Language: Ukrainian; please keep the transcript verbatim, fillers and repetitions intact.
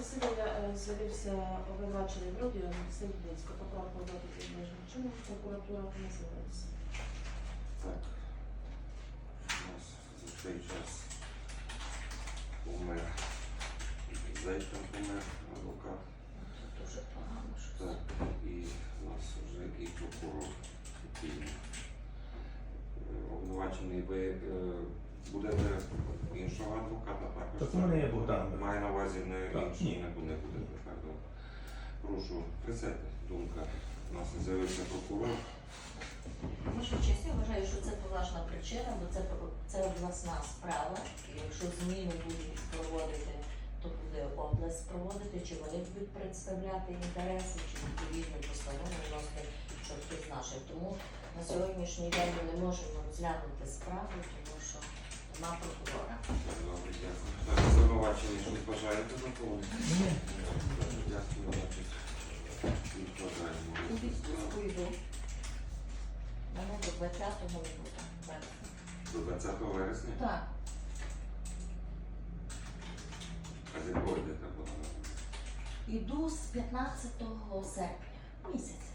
засідання е, з'явився обвинувачений Бродіон Сергійського поправку до обмеження чином, прокуратура не з'явилася. Так. У нас за цей час помер. Зайчик помер, адвокат. Дуже погано, що Так, і у нас вже і прокурор. Який, е, обвинувачений, ви е, будете іншого адвоката також? Так у мене є Богдан. Має на увазі не Так, іншого, ні. не буде, буде. Так, добре. Прошу, присядьте, думка. У нас з'явився прокурор. Ваша честь, я вважаю, що це поважна причина, бо це, це обласна справа. І якщо зміни будуть проводити, то буде область проводити, чи вони будуть представляти інтереси, чи відповідну постанову вносити, що хтось наших. Тому на сьогоднішній день ми не можемо розглянути справу, тому що нема прокурора. Так, добре, дякую. Так, звинувачення, що бажаєте доповнити? Ні. Дякую, значить, відкладаємо. У відпустку йду. Мене до двадцятого не буде. До двадцятого вересня? Так. А з якого йдете? Іду з п'ятнадцятого серпня. Місяць.